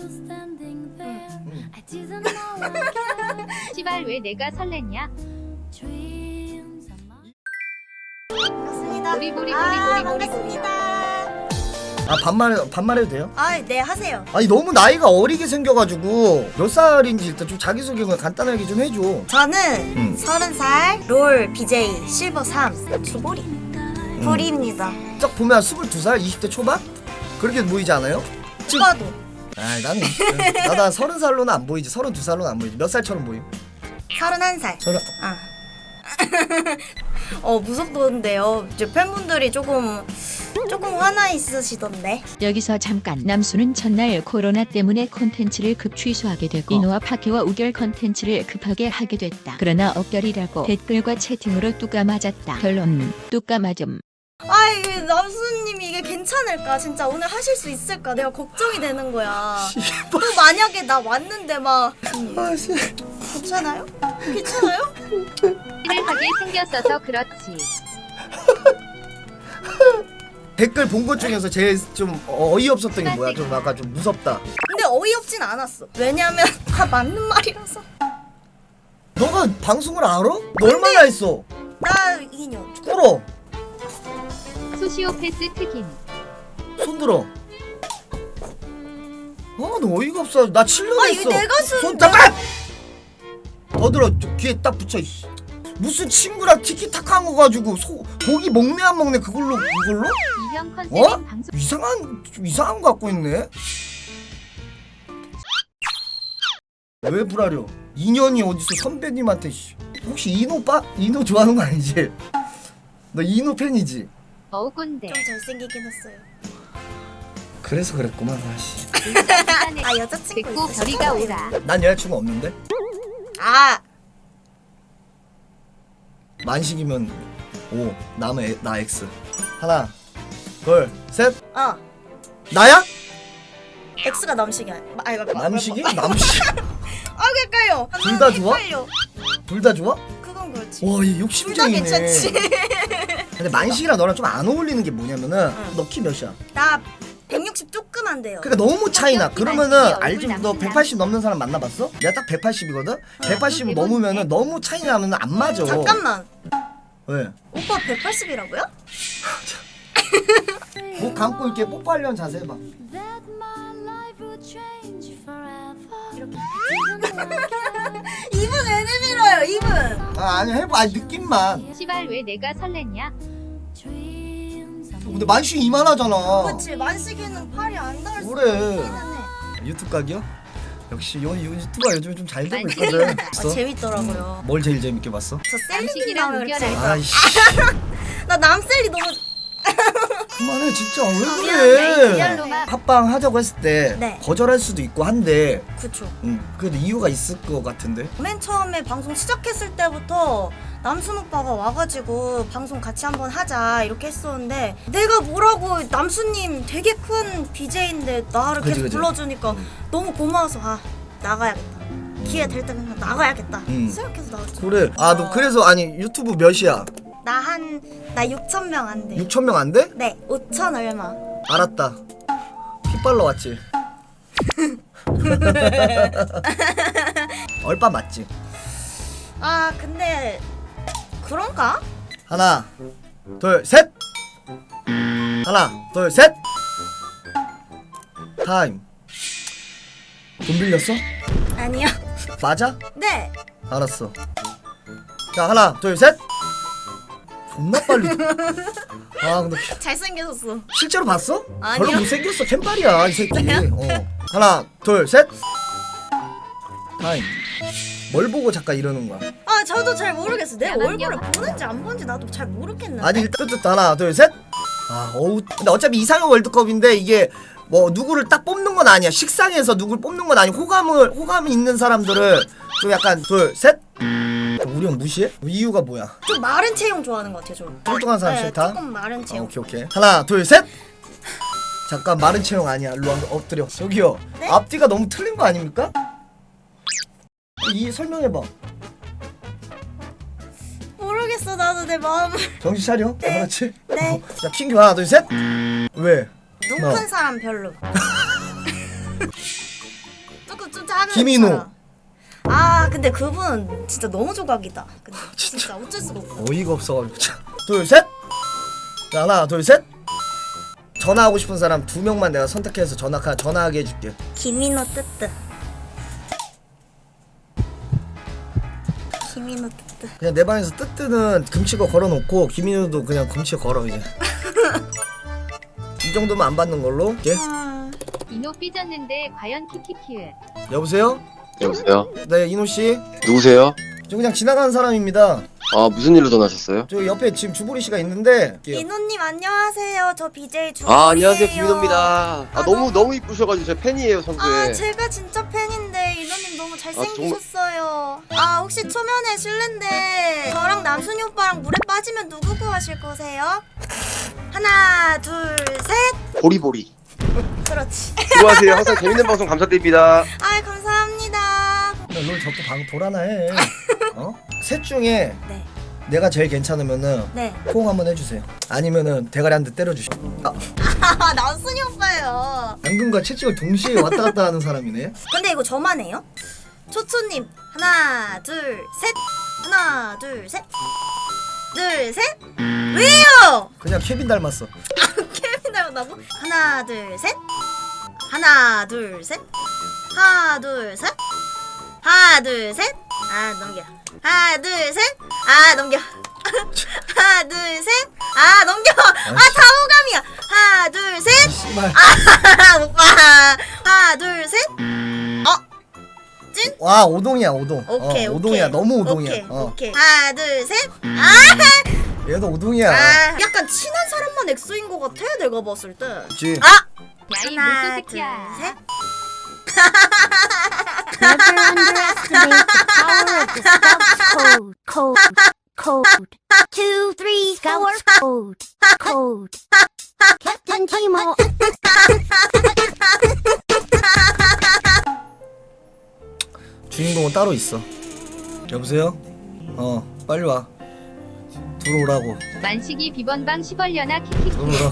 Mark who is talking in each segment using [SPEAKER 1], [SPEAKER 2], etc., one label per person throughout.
[SPEAKER 1] 시발 왜 내가 설렜냐?
[SPEAKER 2] 반갑습니다.
[SPEAKER 1] 보리보리
[SPEAKER 2] 반갑습니다.
[SPEAKER 3] 아 반말해도 돼요?
[SPEAKER 2] 네 하세요.
[SPEAKER 3] 아니 너무 나이가 어리게 생겨가지고 몇 살인지 일단 좀 자기소개 간단하게 좀 해줘.
[SPEAKER 2] 저는 30살 롤 BJ 실버 3 주보리 보리입니다.
[SPEAKER 3] 딱 보면 22살? 20대 초반? 그렇게 보이지 않아요?
[SPEAKER 2] 오빠도
[SPEAKER 3] 아 나는 나다 30살로는 안 보이지. 32살로는 안 보이지. 몇 살처럼 보임?
[SPEAKER 2] 31살.
[SPEAKER 3] 서른.
[SPEAKER 2] 무섭던데요. 이제 팬분들이 조금 화나 있으시던데.
[SPEAKER 4] 여기서 잠깐 남수는 첫날 코로나 때문에 콘텐츠를 급 취소하게 되고 이노와 파키와 우결 콘텐츠를 급하게 하게 됐다. 그러나 억결이라고 댓글과 채팅으로 뚜까 맞았다. 결론 뚜까 맞음.
[SPEAKER 2] 이게 남수님이 이게 괜찮을까? 진짜 오늘 하실 수 있을까? 내가 걱정이 되는 거야. 또 만약에 나 왔는데 막 괜찮아요? 괜찮아요?
[SPEAKER 1] 일을 하게 생겼어서 그렇지.
[SPEAKER 3] 댓글 본 것 중에서 제일 좀 어이없었던 게 뭐야? 좀 아까 좀 무섭다.
[SPEAKER 2] 근데 어이없진 않았어. 왜냐면 다 맞는 말이라서.
[SPEAKER 3] 너가 방송을 알아? 너 얼마나 했어?
[SPEAKER 2] 나 2년.
[SPEAKER 3] 끌어.
[SPEAKER 1] 소시오패스 특임.
[SPEAKER 3] 손 들어. 너 어이가 없어. 나 7년 했어.
[SPEAKER 2] 이거 내가
[SPEAKER 3] 손 잠깐! 더 들어. 귀에 딱 붙여. 무슨 친구랑 티키타카 한 거 가지고 고기 먹네 안 먹네 그걸로?
[SPEAKER 1] 이형 컨셉인 방송.
[SPEAKER 3] 좀 이상한 거 갖고 있네. 왜 불하려? 인연이 어디서 선배님한테. 혹시 이노 좋아하는 거 아니지? 너 이노 팬이지?
[SPEAKER 1] 어우 꼰대.
[SPEAKER 2] 좀 잘생기긴 했어요.
[SPEAKER 3] 그래서 그랬구만 사실.
[SPEAKER 2] 여자친구
[SPEAKER 1] 됐고
[SPEAKER 2] 있으시죠?
[SPEAKER 1] 별이가 오라.
[SPEAKER 3] 난 여자친구 없는데? 만식이면 O, 나 X. 하나, 둘, 셋. 나야?
[SPEAKER 2] X가 남식이야.
[SPEAKER 3] 남식이? 남식?
[SPEAKER 2] 헷갈려.
[SPEAKER 3] 둘다 좋아?
[SPEAKER 2] 헷갈려.
[SPEAKER 3] 둘 다 좋아?
[SPEAKER 2] 그건 그렇지.
[SPEAKER 3] 와, 얘
[SPEAKER 2] 둘 다
[SPEAKER 3] 욕심쟁이네.
[SPEAKER 2] 괜찮지.
[SPEAKER 3] 근데 만식이랑 너랑 좀 안 어울리는 게 뭐냐면은 너 키 몇이야?
[SPEAKER 2] 나 160 조금 안 돼요.
[SPEAKER 3] 그러니까 너무 차이나. 그러면은
[SPEAKER 1] 만식이
[SPEAKER 3] 알지?
[SPEAKER 1] 얼굴
[SPEAKER 3] 너
[SPEAKER 1] 남친이야.
[SPEAKER 3] 180 넘는 사람 만나봤어? 내가 딱 180이거든? 180 넘으면은 너무 차이 나면 안 맞아.
[SPEAKER 2] 잠깐만.
[SPEAKER 3] 왜?
[SPEAKER 2] 오빠 180이라고요?
[SPEAKER 3] 목 감고 이렇게 뽀뽀하려는 자세 해봐.
[SPEAKER 2] 입은 왜 내밀어요? 입은.
[SPEAKER 3] 아니 해봐. 아니 느낌만.
[SPEAKER 1] 시발 왜 내가 설렜냐?
[SPEAKER 3] 근데 만식이 이만하잖아.
[SPEAKER 2] 그렇지. 만식이는 팔이 안 닿을 수
[SPEAKER 3] 그래.
[SPEAKER 2] 있긴 하네.
[SPEAKER 3] 유튜브 각이요? 역시 요 유튜브가 요즘 좀 잘 되고
[SPEAKER 1] 만식이.
[SPEAKER 3] 있거든.
[SPEAKER 2] 재밌더라고요.
[SPEAKER 3] 뭘 제일 재밌게 봤어?
[SPEAKER 2] 저 셀리님
[SPEAKER 1] 만식이랑
[SPEAKER 2] 나오면
[SPEAKER 1] 우결할
[SPEAKER 2] 재밌다.
[SPEAKER 3] 아이씨.
[SPEAKER 2] 나 남셀리 너무
[SPEAKER 3] 그만해 진짜 왜
[SPEAKER 1] 미안해,
[SPEAKER 3] 그래?
[SPEAKER 1] 리얼로만.
[SPEAKER 3] 합방 하자고 했을 때
[SPEAKER 2] 네.
[SPEAKER 3] 거절할 수도 있고 한데
[SPEAKER 2] 그쵸.
[SPEAKER 3] 그래도 이유가 있을 것 같은데.
[SPEAKER 2] 맨 처음에 방송 시작했을 때부터 남순 오빠가 와가지고 방송 같이 한번 하자 이렇게 했었는데 내가 뭐라고 남순님 되게 큰 BJ인데 나를
[SPEAKER 3] 그치,
[SPEAKER 2] 계속
[SPEAKER 3] 그치.
[SPEAKER 2] 불러주니까 너무 고마워서 나가야겠다. 기회 될 때는 그냥 나가야겠다 생각해서 나왔죠.
[SPEAKER 3] 그래. 아 너 그래서 아니 유튜브 몇이야?
[SPEAKER 2] 나 6,000명 안 돼.
[SPEAKER 3] 6,000명 안 돼?
[SPEAKER 2] 네, 5,000 얼마.
[SPEAKER 3] 알았다. 핏발러 왔지. 얼빠 맞지?
[SPEAKER 2] 근데 그런가?
[SPEAKER 3] 하나, 둘, 셋. 하나, 둘, 셋. 타임. 돈 빌렸어?
[SPEAKER 2] 아니요.
[SPEAKER 3] 맞아?
[SPEAKER 2] 네.
[SPEAKER 3] 알았어. 자, 하나, 둘, 셋. 존나 빨리. 근데
[SPEAKER 2] 잘생겼었어.
[SPEAKER 3] 실제로 봤어?
[SPEAKER 2] 아니요.
[SPEAKER 3] 별로 못생겼어. 캔발이야 이 새끼. 하나, 둘, 셋. 타임. 뭘 보고 잠깐 이러는 거야?
[SPEAKER 2] 저도 잘 모르겠어. 내
[SPEAKER 1] 야만요.
[SPEAKER 2] 얼굴을 보는지 안 보는지 나도 잘 모르겠는데.
[SPEAKER 3] 아니 일단 하나, 둘, 셋. 어우. 근데 어차피 이상형 월드컵인데 이게 뭐 누구를 딱 뽑는 건 아니야. 식상에서 누구를 뽑는 건 아니고 호감이 있는 사람들을 좀 약간 둘, 셋. 우리 형 무시해? 이유가 뭐야?
[SPEAKER 2] 좀 마른 체형 좋아하는 것 같아요. 좀.
[SPEAKER 3] 뚱뚱한 사람
[SPEAKER 2] 네,
[SPEAKER 3] 싫다?
[SPEAKER 2] 조금 마른 체형.
[SPEAKER 3] 오케이. 하나, 둘, 셋. 잠깐 마른 체형 아니야. 일로 와, 엎드려. 저기요.
[SPEAKER 2] 네?
[SPEAKER 3] 앞뒤가 너무 틀린 거 아닙니까? 설명해봐.
[SPEAKER 2] 모르겠어. 나도 내 마음을.
[SPEAKER 3] 정신 차려.
[SPEAKER 2] 네.
[SPEAKER 3] 그렇지?
[SPEAKER 2] 네.
[SPEAKER 3] 자, 킹규 하나, 둘, 셋. 왜?
[SPEAKER 2] 눈 큰 사람 별로.
[SPEAKER 3] 김인호.
[SPEAKER 2] 아 근데 그분 진짜 너무 조각이다. 근데 진짜 어쩔 수가 없어.
[SPEAKER 3] 어이가 없어가지고. 자, 둘 셋. 자, 하나 둘 셋. 전화하고 싶은 사람 2명만 내가 선택해서 전화하게 해줄게.
[SPEAKER 2] 김인호 뜨뜨. 김인호 뜨뜨.
[SPEAKER 3] 그냥 내 방에서 뜨뜨는 금치고 걸어놓고 김인우도 그냥 금치 걸어 이제. 이 정도면 안 받는 걸로. 예?
[SPEAKER 2] 아,
[SPEAKER 1] 이노 삐졌는데 과연 키키키을.
[SPEAKER 3] 여보세요?
[SPEAKER 5] 여보세요?
[SPEAKER 3] 네 이노 씨.
[SPEAKER 5] 누구세요?
[SPEAKER 3] 저 그냥 지나가는 사람입니다.
[SPEAKER 5] 아 무슨 일로 전화하셨어요?
[SPEAKER 3] 저 옆에 지금 주보리 씨가 있는데.
[SPEAKER 2] 인호님 안녕하세요. 저 BJ 주호예요.
[SPEAKER 5] 아 안녕하세요 김민호입니다. 아 너무 이쁘셔가지고 제 팬이에요 선수에.
[SPEAKER 2] 아 제가 진짜 팬인데 인호님 너무 잘생기셨어요. 아 혹시 초면에 실례인데 저랑 남순이 오빠랑 물에 빠지면 누구 구하실 거세요? 하나 둘 셋.
[SPEAKER 5] 보리보리.
[SPEAKER 2] 그렇지.
[SPEAKER 5] 수고하세요. 항상 재밌는 방송 감사드립니다.
[SPEAKER 2] 아 감사합니다.
[SPEAKER 3] 널 자꾸 방 돌아나 해. 어? 셋 중에
[SPEAKER 2] 네.
[SPEAKER 3] 내가 제일 괜찮으면은
[SPEAKER 2] 네.
[SPEAKER 3] 포옹 한번 해주세요. 아니면은 대가리 한 대 때려주시고. 아,
[SPEAKER 2] 아 남순이 오빠예요.
[SPEAKER 3] 당근과 채찍을 동시에 왔다 갔다 하는 사람이네.
[SPEAKER 2] 근데 이거 저만 해요? 초초님 하나 둘 셋. 하나 둘 셋. 둘 셋. 왜요?
[SPEAKER 3] 그냥 케빈 닮았어.
[SPEAKER 2] 케빈 닮았다고? 하나 둘 셋. 하나 둘 셋. 하나 둘 셋. 하나 둘 셋. 아 넘겨. 하나 둘 셋. 아 넘겨. 하나 둘 셋. 아 넘겨. 아 다 호감이야. 하나 둘 셋.
[SPEAKER 3] 씨발.
[SPEAKER 2] 아 오빠. 하나 둘 셋.
[SPEAKER 3] 와 오동이야 오동.
[SPEAKER 2] 오케이
[SPEAKER 3] 오동이야
[SPEAKER 2] 오케이.
[SPEAKER 3] 너무 오동이야.
[SPEAKER 2] 오케이, 오케이. 하나 둘 셋.
[SPEAKER 3] 얘도 오동이야.
[SPEAKER 2] 아 약간 친한 사람만 엑소인 것 같아 내가 봤을 때.
[SPEAKER 3] 그치?
[SPEAKER 2] 아
[SPEAKER 1] 야이
[SPEAKER 2] 하나
[SPEAKER 1] 물소
[SPEAKER 2] 둘
[SPEAKER 1] 새끼야.
[SPEAKER 2] 셋.
[SPEAKER 6] Never underestimate the power of the Scouts code. 2, 3, Scouts code. Captain Timo.
[SPEAKER 3] 주인공은 따로 있어. 여보세요? 빨리 와. 들어오라고.
[SPEAKER 1] 만식이 비번방 시벌려나 키키키.
[SPEAKER 3] 들어오라고.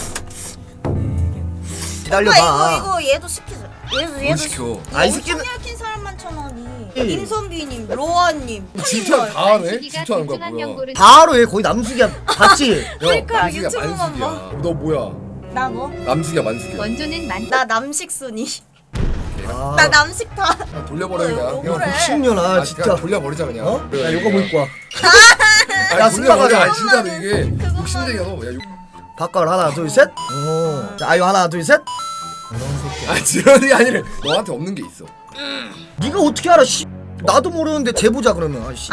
[SPEAKER 2] 오빠
[SPEAKER 3] 기다려봐.
[SPEAKER 2] 이거 얘도 시키자. 얘도
[SPEAKER 7] 시켜?
[SPEAKER 3] 아, 이 새끼는-
[SPEAKER 2] 엄청 킨 사람만 천원이.
[SPEAKER 3] 예.
[SPEAKER 2] 임선비님, 로아님,
[SPEAKER 7] 질투 다 하네?
[SPEAKER 1] 만식이가
[SPEAKER 7] 질투하는 거야
[SPEAKER 1] 대충한
[SPEAKER 7] 뭐야?
[SPEAKER 1] 연고를
[SPEAKER 3] 바로 얘 거의 남숙이야. 봤지?
[SPEAKER 2] 그러니까
[SPEAKER 7] 만숙이야
[SPEAKER 2] 유튜브만
[SPEAKER 7] 만숙이야. 너 뭐야?
[SPEAKER 2] 나 뭐?
[SPEAKER 7] 남숙이야 만숙이야.
[SPEAKER 1] 원조는 만.
[SPEAKER 2] 나 남식순이.
[SPEAKER 3] 아,
[SPEAKER 2] 나 남식파.
[SPEAKER 7] 아, 돌려버려 그냥.
[SPEAKER 2] 어, 그래.
[SPEAKER 3] 복싱년아
[SPEAKER 7] 아,
[SPEAKER 3] 진짜.
[SPEAKER 7] 그냥 돌려버리자 그냥.
[SPEAKER 3] 어?
[SPEAKER 7] 그래,
[SPEAKER 3] 야 요거
[SPEAKER 7] 그냥.
[SPEAKER 3] 뭐 입고 와.
[SPEAKER 7] 아니,
[SPEAKER 3] 야,
[SPEAKER 7] 돌려버려.
[SPEAKER 3] 승마가자.
[SPEAKER 7] 아니, 진짜로 이게
[SPEAKER 2] 그것만은.
[SPEAKER 7] 욕심쟁이야 너. 야,
[SPEAKER 3] 바깥 하나 둘 셋. 오. 자, 아유 하나 둘 셋. 이런 새끼야.
[SPEAKER 7] 아 지런이 아니래. 너한테 없는 게 있어.
[SPEAKER 3] 네가 어떻게 알아? 씨. 나도 모르는데 재보자 그러면. 아 씨.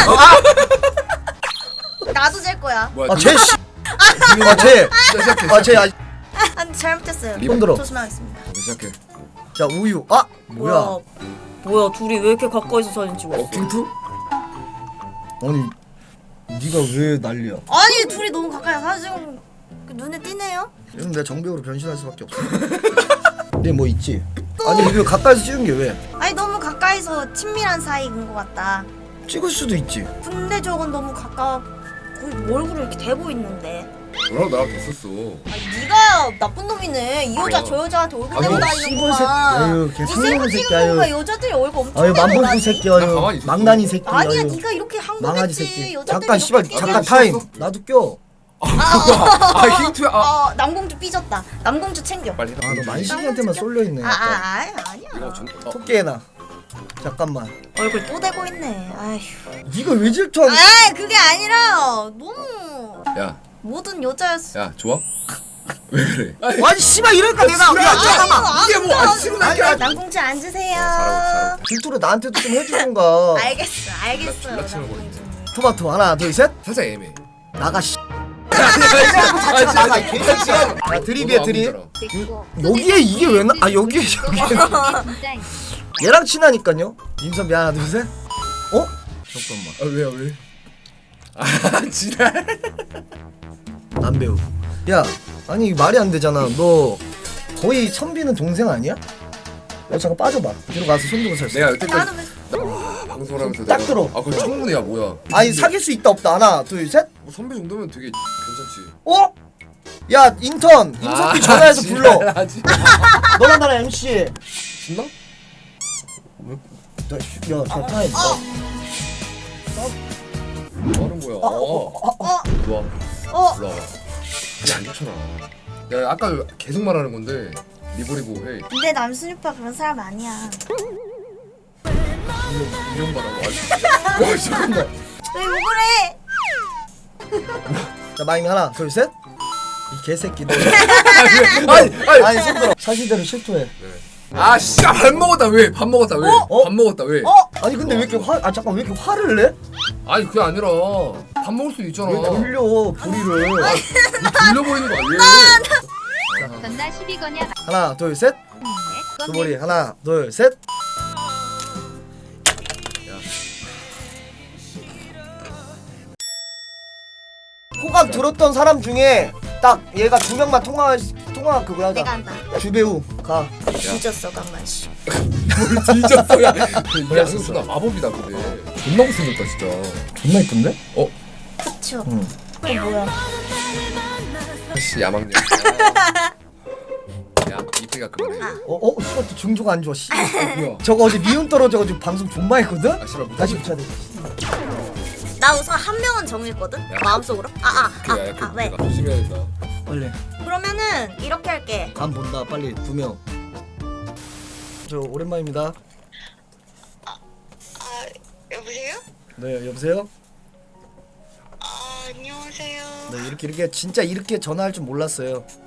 [SPEAKER 2] 나도 잴 거야.
[SPEAKER 7] 뭐야?
[SPEAKER 3] 아 쟤 씨. 아 쟤.
[SPEAKER 7] 시작해.
[SPEAKER 3] 아 쟤. 아,
[SPEAKER 2] 아 잘못했어요.
[SPEAKER 3] 손 들어.
[SPEAKER 2] 조심하겠습니다.
[SPEAKER 7] 시작해.
[SPEAKER 3] 자 우유. 아 뭐야?
[SPEAKER 2] 뭐야 둘이 왜 이렇게 가까이서 사진 찍었어?
[SPEAKER 7] 킹투?
[SPEAKER 3] 아니 네가 왜 난리야?
[SPEAKER 2] 아니 둘이 너무 가까이 사진 찍은 그 눈에 띄네요.
[SPEAKER 3] 이러면 내가 정배우로 변신할 수밖에 없어. 근데 뭐 있지? 아니 이거 가까이서 찍은 게 왜?
[SPEAKER 2] 아니 너무 가까이서 친밀한 사이인 것 같다.
[SPEAKER 3] 찍을 수도 있지.
[SPEAKER 2] 근데 저건 너무 가까워. 거의 얼굴을 이렇게 대고 있는데.
[SPEAKER 7] 너랑 나랑 됐었어.
[SPEAKER 2] 아니 네가 나쁜 놈이네. 이 여자 저 여자한테 얼굴 대고
[SPEAKER 7] 아이고,
[SPEAKER 2] 다니는구만.
[SPEAKER 3] 아유 걔
[SPEAKER 2] 이
[SPEAKER 3] 상놈의
[SPEAKER 2] 셀프
[SPEAKER 3] 새끼
[SPEAKER 2] 찍은 거가
[SPEAKER 3] 아유.
[SPEAKER 2] 여자들이 얼굴 엄청
[SPEAKER 3] 아유
[SPEAKER 2] 대고
[SPEAKER 3] 만보고
[SPEAKER 2] 다니.
[SPEAKER 3] 새끼
[SPEAKER 7] 나
[SPEAKER 3] 아유.
[SPEAKER 7] 가만히 있었어.
[SPEAKER 3] 망나니 새끼
[SPEAKER 2] 아니야
[SPEAKER 3] 아유.
[SPEAKER 2] 네가 이렇게
[SPEAKER 3] 망아지
[SPEAKER 2] 항복했지.
[SPEAKER 3] 새끼.
[SPEAKER 2] 여자들이
[SPEAKER 3] 잠깐 씨발
[SPEAKER 2] 이렇게
[SPEAKER 3] 잠깐
[SPEAKER 2] 찍어야지.
[SPEAKER 3] 타임. 나도 껴.
[SPEAKER 7] 아 킹투야. 아
[SPEAKER 2] 남공주 삐졌다. 남공주 챙겨.
[SPEAKER 7] 빨리.
[SPEAKER 3] 아 너 만식이한테만 쏠려 있네.
[SPEAKER 2] 아니야.
[SPEAKER 7] 이거 좀.
[SPEAKER 3] 토끼해놔. 잠깐만.
[SPEAKER 2] 얼굴 또 대고 있네. 아휴.
[SPEAKER 3] 네가 왜 질투하고?
[SPEAKER 2] 아 그게 아니라 너무
[SPEAKER 7] 야,
[SPEAKER 2] 모든 여자였어.
[SPEAKER 7] 야 좋아? 왜 그래?
[SPEAKER 3] 아니 씨발 이럴까 내가. 야 잠깐만.
[SPEAKER 7] 이게 뭐 아쉬운 얘기야?
[SPEAKER 2] 남공주 앉으세요.
[SPEAKER 7] 잘하고.
[SPEAKER 3] 질투를 나한테도 좀 해주던가.
[SPEAKER 2] 알겠어.
[SPEAKER 7] 졸라 치는 거
[SPEAKER 2] 남공주.
[SPEAKER 3] 토마토 하나 둘 셋.
[SPEAKER 7] 살짝 애매해.
[SPEAKER 3] 나가 씨.
[SPEAKER 7] 아
[SPEAKER 3] 나가 이 개새끼야. 아 드립이야 드립.
[SPEAKER 1] 됐고.
[SPEAKER 3] 여기에 이게 왜 나? 아 여기에
[SPEAKER 1] 진짜
[SPEAKER 3] 얘랑 친하니까요. 임선비 하나 둘 셋. 어? 잠깐만.
[SPEAKER 7] 아 왜야 왜? 아 지랄.
[SPEAKER 3] 남배우. 야 아니 이게 말이 안 되잖아. 너 거의 선비는 동생 아니야? 너 잠깐 빠져봐. 뒤로 가서 손 들고 살수.
[SPEAKER 7] 내가 여태까지
[SPEAKER 2] 나는 왜
[SPEAKER 7] 방송하면서
[SPEAKER 3] 딱
[SPEAKER 7] 내가-
[SPEAKER 3] 들어.
[SPEAKER 7] 아 그거 청문이야 뭐야?
[SPEAKER 3] 아니 사귈 수 있다 없다. 하나 둘 셋.
[SPEAKER 7] 뭐 선배 정도면 되게 괜찮지.
[SPEAKER 3] 어? 야 인턴 임선비 전화해서 불러.
[SPEAKER 7] 하지.
[SPEAKER 3] 너랑 나랑 MC.
[SPEAKER 7] 신나?
[SPEAKER 3] 야, 저 타임.
[SPEAKER 7] 너는 뭐야? 일로 와. 일로 와봐. 이게 안 좋잖아. 야 아까 계속 말하는 건데 리보리보 해.
[SPEAKER 2] 근데 남순이 오빠 그런 사람 아니야.
[SPEAKER 7] 이런 말하고. 와 잠깐만.
[SPEAKER 2] 왜 그래?
[SPEAKER 3] 자, 마임이 하나, 둘, 셋. 이 개새끼들.
[SPEAKER 7] 아니.
[SPEAKER 3] 아니, 손들어. 사실대로 실토해.
[SPEAKER 7] 아 씨가 밥 먹었다 왜? 밥 먹었다 왜?
[SPEAKER 3] 어?
[SPEAKER 7] 밥 먹었다 왜?
[SPEAKER 3] 아니, 근데 왜 이렇게 잠깐, 왜 이렇게 화를 내?
[SPEAKER 7] 아니 그게 아니라 밥 먹을 수도 있잖아.
[SPEAKER 3] 왜 돌려, 보리를.
[SPEAKER 7] 돌려버리는 거 아니에요?
[SPEAKER 1] 전나 12거냐
[SPEAKER 3] 하나, 둘, 셋. 두보리, 하나, 둘, 셋. 호감 들었던 사람 중에 딱 얘가 2명만 통화 그거 하자.
[SPEAKER 2] 내가 한다.
[SPEAKER 3] 주배우 가.
[SPEAKER 2] 뒤졌어 강만 씨.
[SPEAKER 7] 뭘 뒤졌어 야. 이게 아니었어. 마법이다 근데. 존나 못생겼다 진짜.
[SPEAKER 3] 존나 이쁜데?
[SPEAKER 2] 그쵸.
[SPEAKER 3] 응.
[SPEAKER 2] 뭐야?
[SPEAKER 7] 씨 야망년. 야 이태가 그만해.
[SPEAKER 3] 씨발 또 증조가 안 좋아. 씨.
[SPEAKER 7] 뭐야?
[SPEAKER 3] 저거 어제 미운 떨어져가지고 방송 존나 했거든?
[SPEAKER 7] 아 씨발
[SPEAKER 3] 다시 붙여야 돼.
[SPEAKER 2] 나 우선 한 명은 정했거든. 마음속으로. 왜?
[SPEAKER 7] 조심해야겠다.
[SPEAKER 3] 빨리.
[SPEAKER 2] 그러면은 이렇게 할게.
[SPEAKER 3] 감 본다. 빨리 2명. 저 오랜만입니다.
[SPEAKER 8] 여보세요?
[SPEAKER 3] 네, 여보세요?
[SPEAKER 8] 안녕하세요.
[SPEAKER 3] 네, 이렇게 진짜 이렇게 전화할 줄 몰랐어요.